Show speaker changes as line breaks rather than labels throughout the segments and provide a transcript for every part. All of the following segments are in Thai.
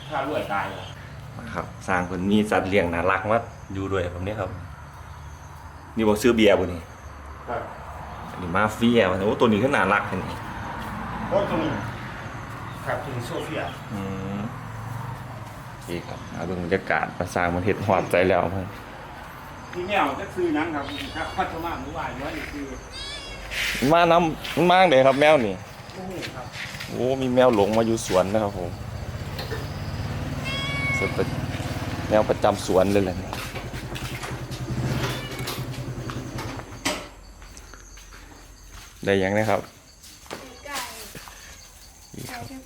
ถ้ารวยตาย
ครับสร้างคนมีสัตว์เลี้ยงน่ารักมาอยู่ด้วยแบบนี้ครับนี่บอกซื้อเบียร์บ่นี่
ครับ
อันนี้มาเฟียมันโอ้ตัวนี้ก็น่ารักเห็นไหม
โอ้ตรงนี้ครับถึงโซเฟีย
นี่ครับมาดูบรรยากาศมาสร้างมันเห็ดหอดใจแล้วเพื่อน
ที่แมวก็คือนังครับครับพัฒนาเมื่อวานว่านี่คือ
มาน้ำมันมากเลยครับแมวนี่
โอ้โหครับ
โอ้มีแมวหลงมาอยู่สวนนะครับผมแมวประจำสวนเลยแหละได้ยังนะครับ
ไก่ที่กระเตง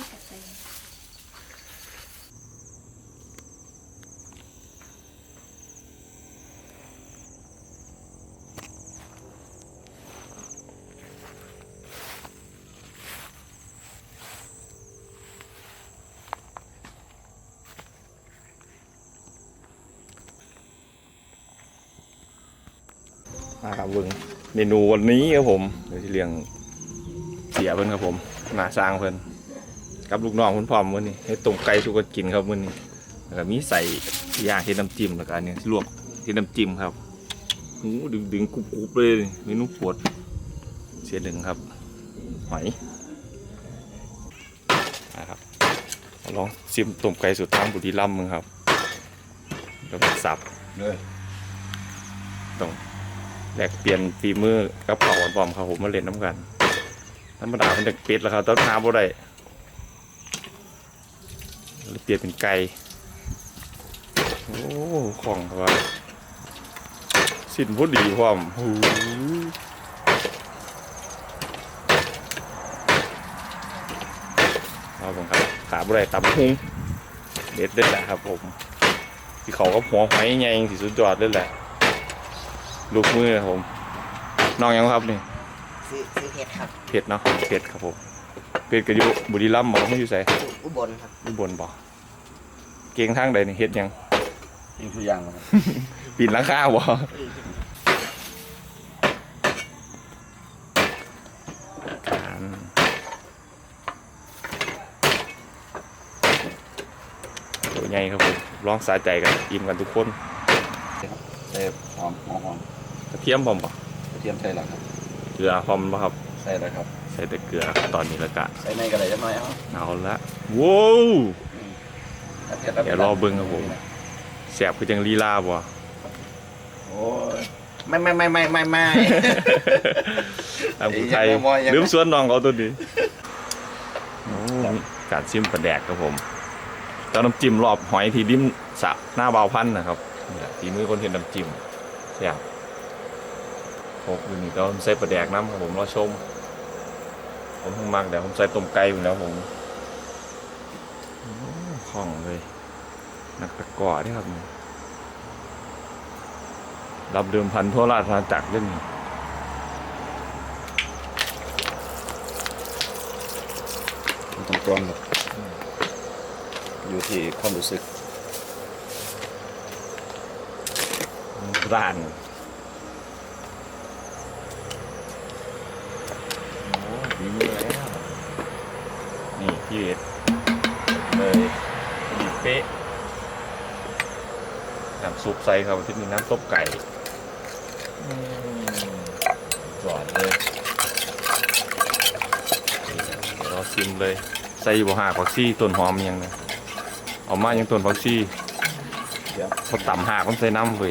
มาครับเบิ้งเมนูวันนี้ครับผมเดี๋ยวที่เลี้ยงเสียเพิ่นครับผมมาสร้างเพิ่นกับลูกน้องคุณพ่อมื้อนี้ให้ต้มไก่สุกกินครับมื้อนี้แล้วก็มีใส่ย่างเฮ็ดน้ำจิ้มแล้วก็อันนี้ลวกเฮ็ดน้ำจิ้มครับหูดึงกรุบๆเลยเมนูปวดเสียหนึ่งครับหอยนะครับลองชิมต้มไก่สุดทางบุรีรัมย์มึงครับแล้วก็สับเลยต้องแลกเปลี่ยนฝีมือกับเผาบอมครับผมมาเล่นน้ำกันธรรมดาเป็นเด็กเป็ดแล้วครับต้นน้ำบ่ได้เปลี่ยนเป็นไก่โอ้ของครับสิ้นพอดีพร้อมหูเอาผมครับขาบ่ได้ตับหุงเด็ดแหละครับผมที่เขาก็หัวหอยใหญ่สีสุดยอดเลยแหละลูกมือครับผมน้องยังครับนี่
ซื้อเห็ดครับ
เห็ดเนาะเห็ดครับผมเห็ดก็อยู่บุรีรัมย์บอกไม่อยู่ไส
อุบลครับ
อุบลบอกเก่งทางใดนี่เห็ดยัง
ยิงทุกอย่างครับ
ปีนหลังคาบ่ตัวใหญ่ครับผมร้องสาใจกันอิ่มกันทุกคน
ใส่หอม
กระเทียมพร้อมป่ะ
กระเทียมใส่หลังครับ
เกลือพร้อมป่ะครับ
ใส่แล้วครับ
ใส่แต่เกลือตอนนี้ละกะ
ใส่ในกระไรจะน้อย
เอาละว้าวเดี๋ยวรอเบิ้งครับผมแสบคือจังลีลาบ่
โอ้ยไม่
ตามคนไทยลืมสวนน้องเขาตัวนี้การชิมปลาแดกครับผมเจ้าน้ำจิ้มรอบหอยที่ดิ้มสะหน้าเบาพันนะครับตีมือคนเห็นน้ำจิ้มแซ่บโอ้ยนี่ก็ใส่ปลาแดกน้ำครับผมรอชมผมเพิ่งมักแต่ผมใส่ต้มไก่อยู่แล้วผมคล่องเลยนักตะกร้อนี่ครับรับเดิมพันทั่วราชอาณาจักรเล่น
ตรงๆแบบอยู่ที่ความรู้สึก
ร้านโอ้ดีมือแล้วนี่พี่เอ็ดเลยดีเป๊ะน้ำซุปใส่ครับที่มีน้ำต้มไก่จอดเลยเดี๋ยวเราชิมเลยใส่บ่หากผักชีต้นหอมยังนะเอามายังต้นผักชีพอต่ำหากมันใส่น้ำเว้ย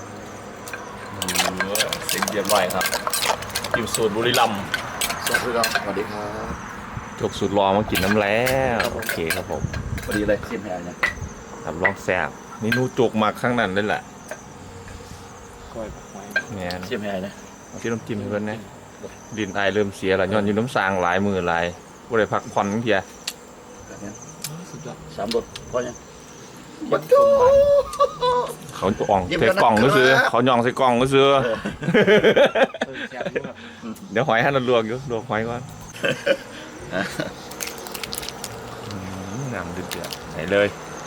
เสียงเยี่ยมเลยครับกินสูตรบุรีรัมย์
สวัสดีครับ
จกสูตรรอมากินน้ำแล้วโอเคครับผม
พอดีเลยชิมให้นะ
รับรองแซ่บนี่นูจกมาข้างนั้นเลยแหละ
ก้อย
เนี่ย
ชิมให้นะ
ที่น้ำจิ้มให้เพื่อนนะดินไอเริ่มเสียแล้วย้อนอยู่น้ำสางหลายมือหลายบ่ได้พักผ่อนเพีย
สุดยอด3 รสก็ยัง
เขาอ่องใส่กล่องก็ซื้อเขาย่องใส่กล่องก็ซื้อเดี๋ยวหอยให้เราลวกอยู่ลวกหอยก่อนน้ำเดือดไหนเลย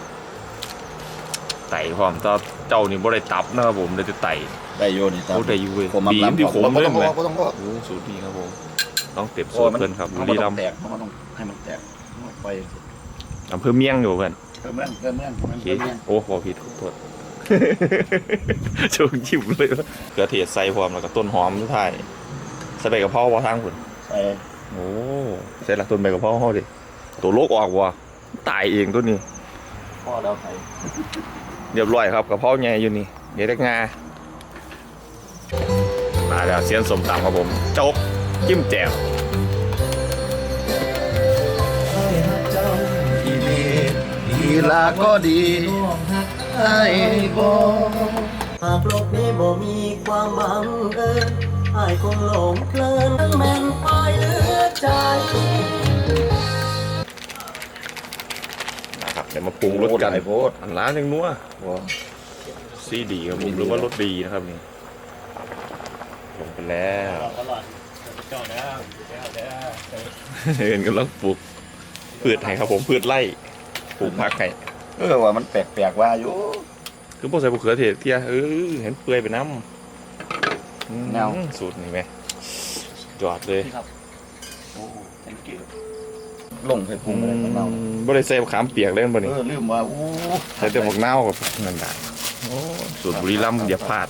ไต่พร้อมต่อเจ้านี่บ่ได้ตับนะครับผมเลยจะไต่
ได้โยนี่
ตับได้อยู่เว้ยบีมที่ผมเล่นเลยโอ้สูตรดีครับผมต้องเต็มสูตรเพิ่นครับบุรีรัมย์
แตกมันต้องให้มันแตกไป
อำเภอเมียงอยู่เพื่อน
เพิ่มเมือง
โอเคโอ้ขอผิดขอโทษ โชคยิ้มเลยว่าเกลือเทศใส่พร้อมแล้วก็ต้นหอมสุดท้ายใส่ใบกะเพราว่าทางคุณ
ใส่
โอ้ใส่หลักต้นใบกะเพราเขาดิตัวโลกออกว่ะตายเองตัวนี้
พ่อแล้วใส่
เรียบร้อยครับกะเพราใหญ่อยู่นี่เดี๋ยวได้งามาแล้วเสียนสมตำครับผมโจ๊กจิ้มแจ่ว
ทีลาก็ดีไอ้บ่
หากโลกนี้บ่มีความบังเอิญอ้ายคงหลงเพลินทั้งแม่นปลายเหลือใจ
นะครับเดี๋ยวมาปรุงรสกันอันร้านยังนัวซีดีครับผมหรือว่ารสดีนะครับนี่ลงไปแล้วเห็นกำลังปลูกพืชไห้ครับผมพืชไร่ปลูกผักไห้
ว่ามันแปลกๆว่าอยู่
คือพวกใส่มะเขือเทศเที่ยเห็นเปื่อยไปน้ำ
แนว
สูตรนี่ไหมจอดเลย
โอ้ thank you ลงไปปรุงอะไรของเรา
บ่ได้ใส่มะขามเปียกเล่นบ่นี่
ลืมว่าโอ้
ใส่แต่หมกเน่าวกับนั่นแหละโอ้สูตรบุรีรัมย์อย่าพลาด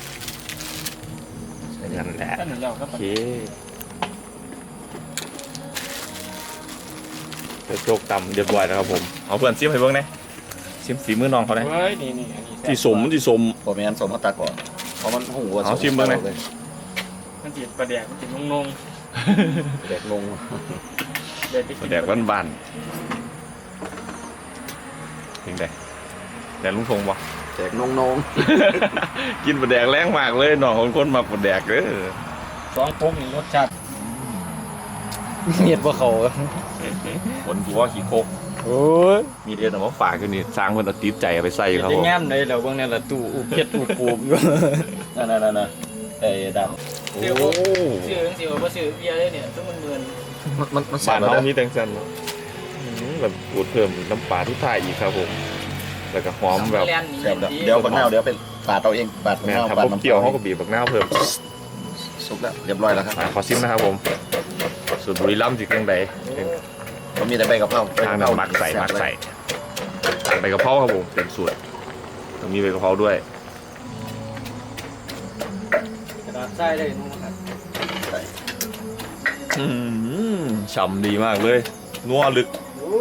นั่นแหละโอเคเดี๋ยวโจกตำเรียบร้อยแล้วครับผมเอาเพื่อนซิมให้เบิ่งนะซิมฝีมือน้องเขานะ
เฮ้ยนี่อันนี้
ที่สมที่สม
ผมไม่งั้นสมมาตักก่อนเพราะมันหูว่า
เอาชิมเบิ่งหน่อย
มันจีบประเดี๋ยวมันจีบงง
เด็กลง
ๆเดี๋ยวไปกิน
แดกบ้านๆเป็นไงแดกลุงทงบ่
แจกนง
กินปลาแดกแรงมากเลยน้องคนมาปลาแดกเด้อ
สองพวกนี่รสชาติเงียบว่าเขา
ผลตัวขี้โคก
โอ้ย
มีเดียวแต่ว่าฝากกันนี่สร้างคนเอาติดใจเอาไปใส่ครับ
จะ
ผม
แง้มเลยแล้วเบางเนี่ยละตู้อุบเพ็ดอุบปูบอยู่
ๆนั่นไอ้ดำ
โอ้
ซื้อสิว่าซื้อเบียร์เลยเนี่ยต้องมันเมือน
มัน
บ้าน
แล้ว
เขา
นะ
มีแตงซันแบบปูดเพิ่มน้ำปลาทุกท่ายอีกครับผม แล้วก็หอมแบบ
แลนหนี
เดี๋ยวบักนาวเดี๋ยวเป็นปาดเอาเองปาดบัก
แม่
นาว
ทำ
ปาด
พวก
น้ำ
เกี่ยวเขาก็บีบบักหน้าวเพิ่ม
สุกแล้วเรียบร้อยแล้วครับ
ขอซิมนะครับผมสูตรบุรีรัมย์จิกจังใด
มันมีแต่ใบกะเพรา
ทางน้ำมักใส่ใบกะเพราครับผมเป็นสูตรต้องมีใบกะเพราด้วย
กระดาษใส่ได้นู่นครับ
ฉ่ำดีมากเลยนัวลึก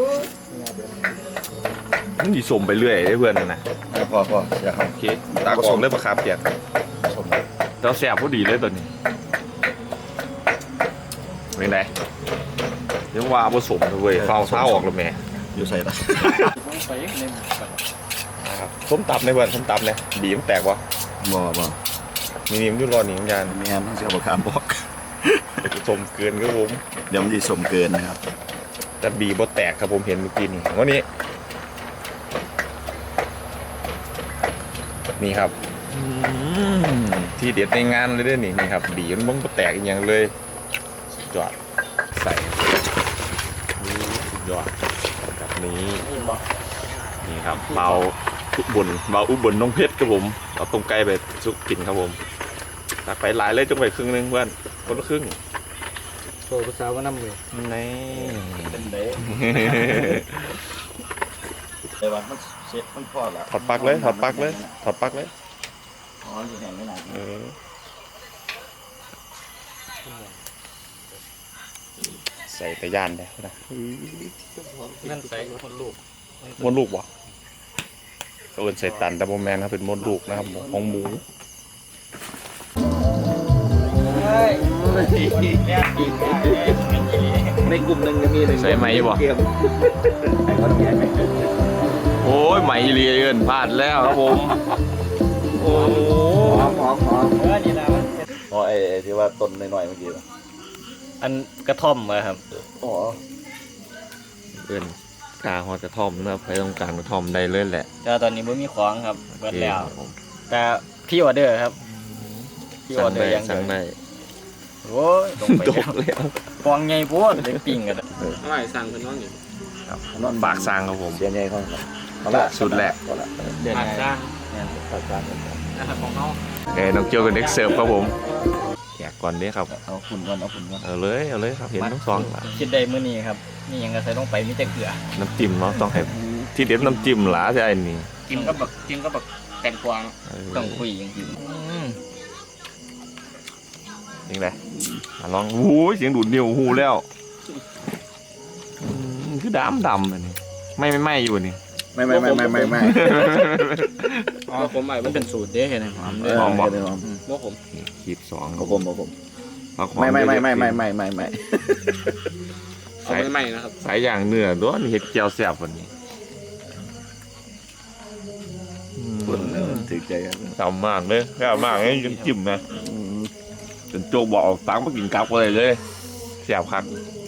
มันดีสมไปเรื่อยได้เพื่อนนะ
พออย่าครับ
โอเคตากออกเลยปะครับเปียก
ชม
เราแสบพอดีเลยตัวนี้เป็นไงเรียกว่าผสมเลยเว้ยเฝ้าเท้าออกแล้วแม่
อยู่ใส่ละ
ต้องไปในหมู่บ้าน
นะครับส้มตับในเพื่อนส้มตับเลยบีมนแตกวะ
บ่
มีนิ่มยุ่รอหนิมยาน
มีงานต้องเสียบะขามบอก
สมเกินครับผม
เดี๋ยวมันจะสมเกินนะครับ
แต่บีบ่แตกครับผมเห็นเมื่อกี้นี่วันนี้นี่ครับที่เด็ดในงานเลยเด้อนี่ครับบีมันบ่แตกอีกอย่างเลยสุดยอดใส่สุดยอดแบบนี้นี่ครับเบาอุบลน้องเพชรครับผมเอาตรงไกลไปสุกกินครับผมตักไปหลายเลยจงไปครึ่งนึงเพื่อนคนละครึ่ง
โตภาษาว่าน้ำเลย
นี่
เป็นเด้แต่ว่ามันเสร็จมันพอแล้ว
ถอดปลั๊กเลยถอดปลั๊กเลย
อ๋ออยู่แห่งไม่นาน
ใส่ตะยานได้นะ
นั่นใส่คนลูก
มดลูกวะก็เอินใส่ตันดับเบิลแมนครับเป็นมดลูกนะครับของหมู
ในกลุ่มหนึ่งจะมีหนึ่ง
ใส่ไหมบ่โอ้ยไหมเรียนพลาดแล้วครับผมโอ้
หอม
นี่นะมัน
อ๋อไอ้ที่ว่าต้นหน่อยๆเมื่อกี้
อันกระท่อมอะครับ
อ๋อ
เอินกาฮอดกระท่อมนะครับใครต้องการกระท่อมได้เลยแหละ
แต่ตอนนี้ไม่มีของครับเบิดแล้ว
ครับผม
แต่พี่ออเดอร์ครับพี่ออเดอร์ยัง
สั่งได้
โอ้ยลงไป
ต
แล้ว
กแล้ว
ฟองใหญ่โพดเลยปิ้งกัน
อะไรสั่งเป็นน้องอยู่
ครับปากสร้างครับผม
เสียใหญ่เขาเอาละ
สุดแหละ
เดือนไหน
ปากกลาง
นะครับของเขา
น้องเกียวกับเด็กเสิร์ฟครับผมแจกก่อนเด้ครับ
เอาฝุ่นก่อนเอาฝุ่นก่อน
เอาเลยครับเห็นทั้งสองละ
คิดได้มื้อนี้ครับนี่ยังก็ใส่ลงไปมีแต่เกลือ
น้ำจิ้มเนาะต้องให้ที่เด็ดน้ำจิ้มหลาใช่ไอ้นี่
จิ้มก็แบบแตงกวาง
ต้องคุยจริง
ยังไงมาลองโอ้ยเสียงดูดนิ้วหูแล้วคือดำอันนี้ไม่อยู่นี่
ไม่
อ๋อผมมันเป็นสูตรเด้เห็นไหมหอมเด้
หอมบ่
บ่ผม
ขีดสอง
เอาผม
ผักหอ
ไม่
เอาไม่ไหม้นะครับ
สายอย่างเนื้อด้วนเห็ดเจียวแซ่บวันนี้
ฝุ่นถือใจกัน
ดำมากเลยแซ่บมากเลยยังจิ้มนะจนโจบอกเอาตังค์มากินกับเลยแซ่บครับ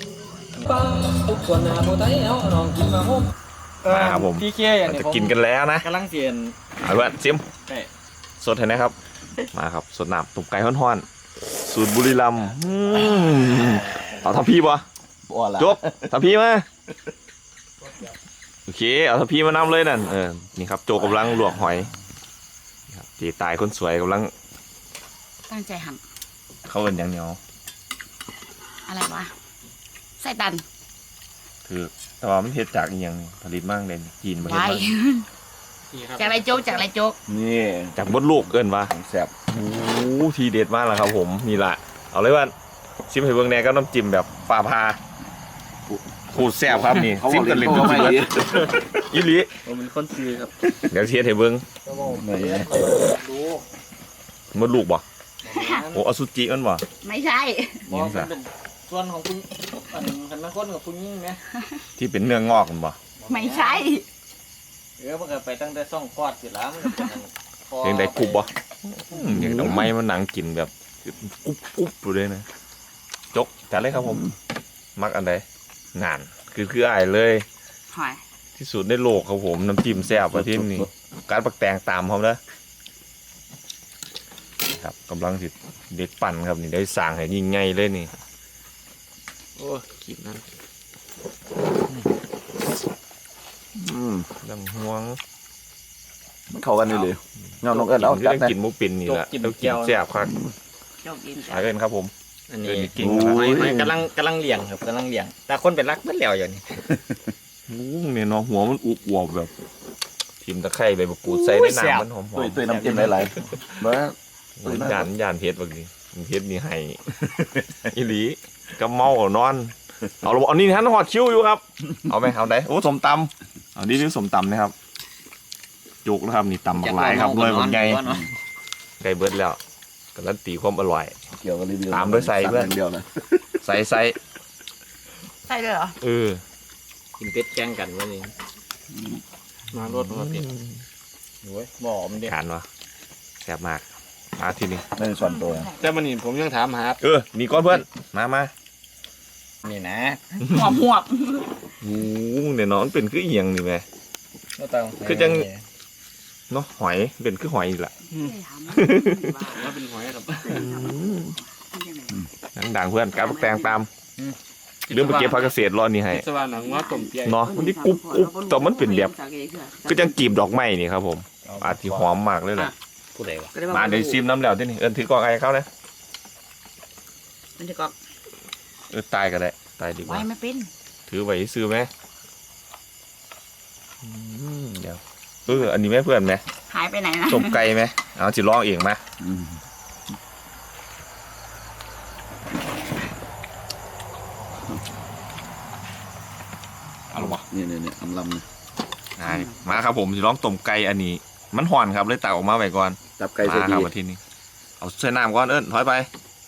มาครับผม
พี่เคอย่าง
เรา
นี้
จะกินกันแล้วนะ
กำลังเปลี่ยน
เอาละซิม
ใช่
สดเห็นไหมครับมาครับสดน้ำตุ่มไก่ฮ้อนๆสูตรบุรีรัมย์เอาทัพพี่ปะ
บัวละ
จบทัพพี่มาโอเคเอาทัพพี่มานำเลยนั่นนี่ครับโจกำลังลวกหอยนี่ครับตีตายคนสวยกำลัง
ตั้งใจหั่น
เข้ากันอย่างเหนียว
อะไรวะไส้ตัน
คือแต่ว่ามันเฮ็ดจากอีหยังผลิตมากเลยจีนมาเฮ็ด
ไว้
มา
นี่ครับ
จากไรโจ๊กจากไรโจ๊ก
นี่
จากมดลูกเกินวะ
แซ่บ
โอ้โหทีเด็ดมากแล้วครับผมนี่แหละเอาเลยว่าซิมให้เบิ่งแหน่ก็น้ำจิ้มแบบฝ่าพาขูดแซ่บครับนี่ซิมกันเล่น
ก็
ก็
ไม่
ไม่
ดี
อีหลี
ผมเป็นคนซื้อครับ
เดี๋ยวเทียดให้เบิ่ง
ไม่
ดู
มดลูกบ่โอ้อสุจิมันบ่
ไม่ใช่
มองมันเป็นส่วนของคุณอันคันแม่คนกับคุณยิ่งไหม
ที่เป็นเนื้องอกมันบ่
ไม่ใช่
มันก็ไปตั้งแต่ซ่องคลอดสิแล้วมันก็เป็นคอ
ยังได้กรุบบ่อย่างดอกไม้มันหนังกินแบบกรุบอยู่เลยนะจกจัดเลยครับผม มักอันใดงานคืออ้ายเลย
หอย
ที่สุดในโลกครับผมน้ำจิ้มแซ่บประเทศนี้การปักแตงตามเขานะครับกำลังสิเด็กปั่นครับนี่ได้สั่งให้ยิ่งใหญ่เลยนี่
โอ้กินนั่น
ดังห่วง
มันเข้ากันนี่เลยเงาน้องเอิญเอา
ที่
จัด
ได้
นะ
กินหมูปินนี่แหละต้องกินแซ่บครับ
โจ๊กกิน
หาเงินครับผม
อันนี้
เอิ้นกิน
ไม่กำลังเลี้ยงครับกำลังเลี้ยงแต่คนเป็นรักเมื่อแล้วอย่างนี้
เนี่ยเนาะหัวมันอุบอวบแบบทิมตะไคร้ใบมะกรูดใส่ในน้ำมันหอม
ตุ้ยน้ำจิ้มหลายๆบ้า
ย่านเพชรบางทีเพชรนี่ให้ อีหลีก็เมาเอานอนเอาละเอานี่ฮะหอดคิ้วอยู่ครับเอาไหมเอาไหนโอ้สมตำเอานี่สมตำนะครับจุกนะครับนี่ตำบักหลายครับเลยบางไงไก่เบิดแล้วการันตีความอร่อย
เกี่ยวกับรีวิว
ตามด้วยใส่เพื่อน
เดียวนะ
ใส่
ใส่เลยเหรอ
กินเป็ดแกงกันวันนี้มารถมาเป็ดโอ้ยบ่อมเด็ก
ขานวะแซ่บมากมาที่นี่
ไม่ส่วนตัว
แต่มันนี่ผมยังถามหา
นี่ก้อนเพื่อนมา
นี่นะ
หวบหวบ
โอ้เนี่ยน้องเป็นคือเอียงนี่ไหม คือจัง เนาะหอยเป็นคือหอยอีกละ
ว่าเป็นหอยครับ
ดังๆเพื่อนการปักแตงตามเรื่องไปเก็บผักเกษตรรอนี่ให้
สว่านหนังว่าต้มเปี๊ยะ
เนาะมันที่กรุบแต่มันเป็นแบบคือจังกีบดอกไม้นี่ครับผมอาจจะหอมมากเลยแหละ
ผู้ใดวะ
มาเดี๋ยวซิมน้ำแล้วที่นี่ถือกล่องไอ้เขานะ
มันจะกอก
ตายก็ได้ตายดีก
ไว้
ว่า
ไม่เป็น
ถือไว้ซื้อไหมเดี๋ยวอันนี้แม่เพื่อนไหม
หายไปไหนนะ
ต้มไก่ไหมเอาจิลองเองไหมเอาละวะ
นี่อำลำนะ
มาครับผมจะลองต้มไก่อันนี้ มันห่อนครับเลยตักออกมาไว้ก่อน
จับไก่
มา
ใส่
ค
ดี
รับมาที่นี่เอาใส่น้ำก่อนเอิ้นถอยไป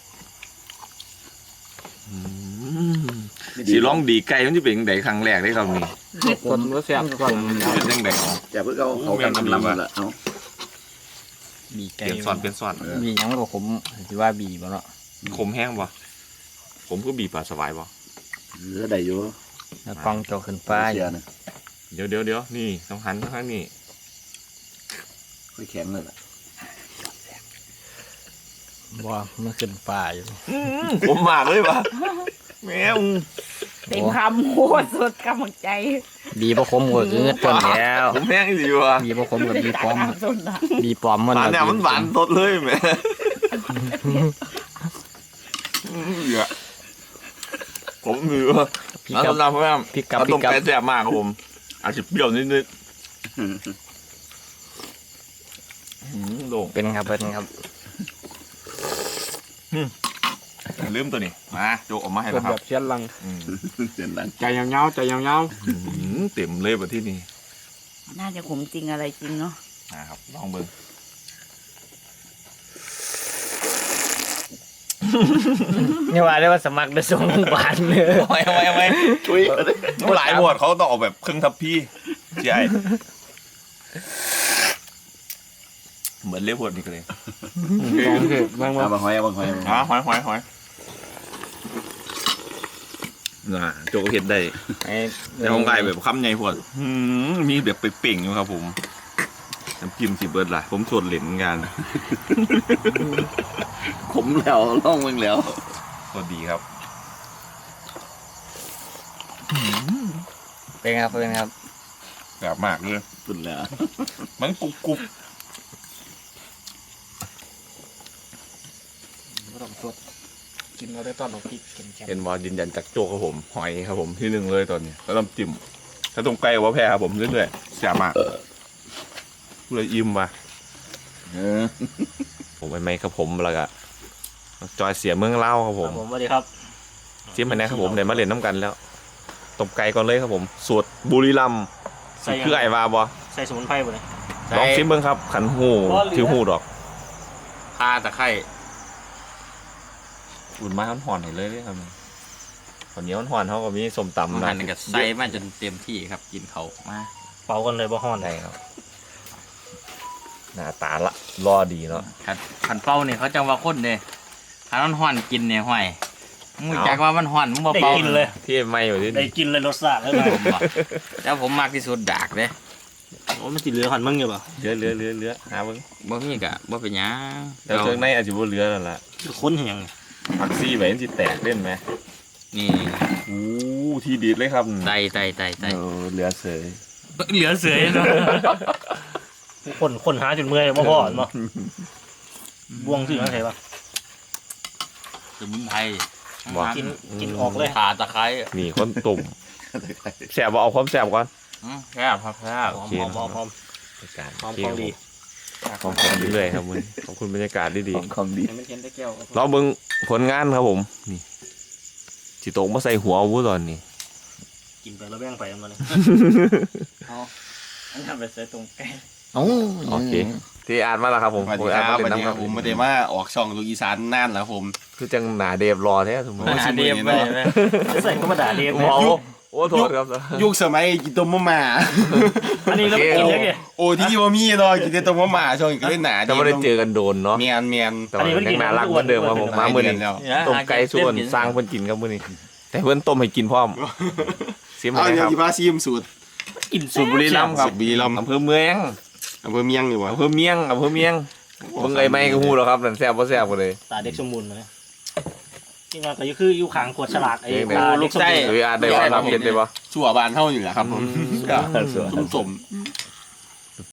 สีร้องดีไก่มันจะเป็นยังไงครั้งแรกได้ครับนี่
คนก็แซ่บคน
เป็นยังไง
อย่าเพิ่งเอากันอำลำละเอา
บี
เป
ไก่
ลี่ยนซอนเปลี่ยนซอน
บียังกับผมที่ว่าบีบ่เนาะ
ขมแห้งป่ะผมก็บีบปลาสบายป่ะ
เหลือได้อยู่
แล้วกล้องโตขึ้นฟ้า
เสียนะ
เดี๋ยวนี่ต้องหันข้างนี้
ค่อยแข็งเลยล่ะ
ว่ามันขึ้นฟ้าอยู่
ผมมากเลยป่ะแมว
เต็มคำโคตรสุดกำลังใจ
บีบ่คมก็คือต้นแล้ว
ผมแห้งดีว่ะ
บีบ่คมกับบีปลอม
สุดนะ
บีปลอมมัน
หวานเนี่ยมันหวานสดเลยแม่เหลือผมมือว่า
พี่
แล้ว
กับ
สำหรับเพื่อน
พี่กับ
เอาต้ม
พี่กับ
ไก่แซ่บมากครับผมอาจจะเปรี้ยวนิดๆโด่ง
เป็นครับเป็นครับ
ลืมตัวนี้มาโจกออกมาให้
เป็น
แล้วค
แบ
รับบ
เชียนลัง
เสียงดัง
ใจยาวๆใจยาว
เต็มเลยแบบที่นี่
น่าจะขมจริงอะไรจริงเนาะ
นะครับลองเบิ่ง
ๆนี่ว่าได้ว่าสมัครได้ส่งบาทเนื้อ
เอาไว้
ช่วย
หลายบวชเขาต้องออกแบบครึ่งทัพพี่ใช่เหมือนเลี้ยบวชนี่ก็เลย
ลองเถอะบ้าง
เอา
ว่า
บางหอยเอาบางหอย
หอยน่ะโจกเห็นได้ ในห้องไก่แบบคำใหญ่พวดมีแบบไปเป่งอยู่ครับผมน้ำจิ้มสิเบิร์ดล่ะผมส่วนเหรียญงาน
ขมแล้วล่องมึงแล้ว
ก็ดีครับ
เป็นครับเป็นครับ
แบบมากเลย
สุดแล้ว
มันกรุบกรุบ
กินเราได้ตอนเราพริกเค็ม
เห็นว่ายืนยันจากโจกครับผมหอยครับผมที่หนึ่งเลยตอนนี้แล้วน้ำจิ้มถ้าตรงไก่ว่าแพ้ครับผมเรื่อยๆแซ่บมากเลยอิ่มว่ะผมไปไหมครับผมแล้วก็จอยเสียเมืองเล่าครับผม
ผมสวัสดีครับ
จิ้มไปนะครับผมเดี๋ยวมาเล่นน้ำกันแล้วต้มไก่ก่อนเลยครับผมสูตรบุรีรัมย์คือไอ้วาบอ
ใส่สมุนไพรบ่เลย
ลองชิมเบิ้งครับขันหูถือหูดอก
ข่าตะไคร้
อุ่นมาห่อนๆให้เลยครับตอนนี้ห่อนๆเขาก็มีส้มตำ
หันกับใส่มาจนเต็มที่ครับกินเขามา
เป่ากันเลยบ่ฮ้อน
ได้ครับหน้าตาละรอดีเนาะ
ขันเป้าเนี่ยเขาจะว่าคนเนี่ยขันมันห่อนกินเนี่ยห่วยมึงจักว่ามันห่อนมึงบ่
ได้
เป่า
กินเลย
ที่ไม่อยู่ที่
ได้กินเลยรสชาติแล้วนะ
ผมบอกแล้วผมมากที่สุดดากเลย
โอ้มันสิเหลือหันมึงอยู่ป่ะ
เลือหาเบิ้ง
บ่มีกะบ่เป็นหยัง
แล้วเครื่องในอาจจะบ่เหลือแล้วล่ะ
ค้นเหียง
ผักซี่ไว้สิแตกเล่นไหม
นี่
อู้ที่ดีดเลยครับ
ไต
เหลือเสย
เหลือเสือเนาะ
คนหาจนเมื่อยบ่พอเนาะบวงสิว่าไงวะ
สมุนไพร
บอก
กินออกเลย
ข่าตะไคร้
มีคนตุ่มแสบบ่เอาความแสบก่อน
แซ่บครับแซ่บ
หอม
โอเค
หอมหอมหอม
บรรยากาศ
หอม
โอเค
ของดี
ของเรื่อยๆครับมึงขอบคุณบรรยากาศดี
ของดี
ไม่เห็นได้แก้ว
ๆเราเบิ่งผลงานครับผมนี่สิโตกมาใส่หัววูตอนนี้
กินไปแล้วแบ่งไปมันเลย
อันทำไปใส่ตรงแก้
โอ้
โอเคที่อ่านมาแล้วครับผม
สวัสดี
อ่าน
ครับ
มา
สวัส
เล่น
ดี
น้ำ
ค
ค
รั
รั
บบ ผมไม่ได้มาออกช่องลูกอีสานน่านแล้วผม
คือจังหนาเดฟรอแท้สมมติ
หาเดียบไปเลย
ใส่ก็มาด่าเรียก
โอ้โหโอ้โทษครับ
ยุคสมัยกินต้มมะม่า
อันนี้เราไม่กินเลยไง
โอ้ที่ว่ามีเนาะกินแต่ต้มมะม่าช่วงก็เล่นหนา
จะไม่ได้เจอกันโดนเนาะ
เมียน
แต่ว่ายังน่ารักเหมือนเดิมครับผมมาเมื่อนี้
แล้ว
ต้มไก่ส่วนสร้างเพิ่นกินครับมื้อนี้แต่เพิ่นต้มให้กินพร้อมซิม
เอา
ให้
เดี๋
ค
ยว
รับ
ที่พาซีมสูตร
กิน
สูตรบุรีรัมย์ครับ
สูตรบุรีรัมย์
อำเภอเมือง
อำเภอเมียงนี่วะ
อำเภอเมียงเบิ่งไอ้ไม้ก็ฮู้แล้วครับนั่นแซ่บบ่แซ่บบ่เลย
ตาเด็กสมบูรณ์เลยที่งานก็คืออยู่ขางขวดฉลากไอ้
เด็ก
ตาเด็กสมบูรณ์
หรืออาจได้ว่าทำเป็นได้บ่
ชั่วบานเท่าอยู่แหละครับผมสม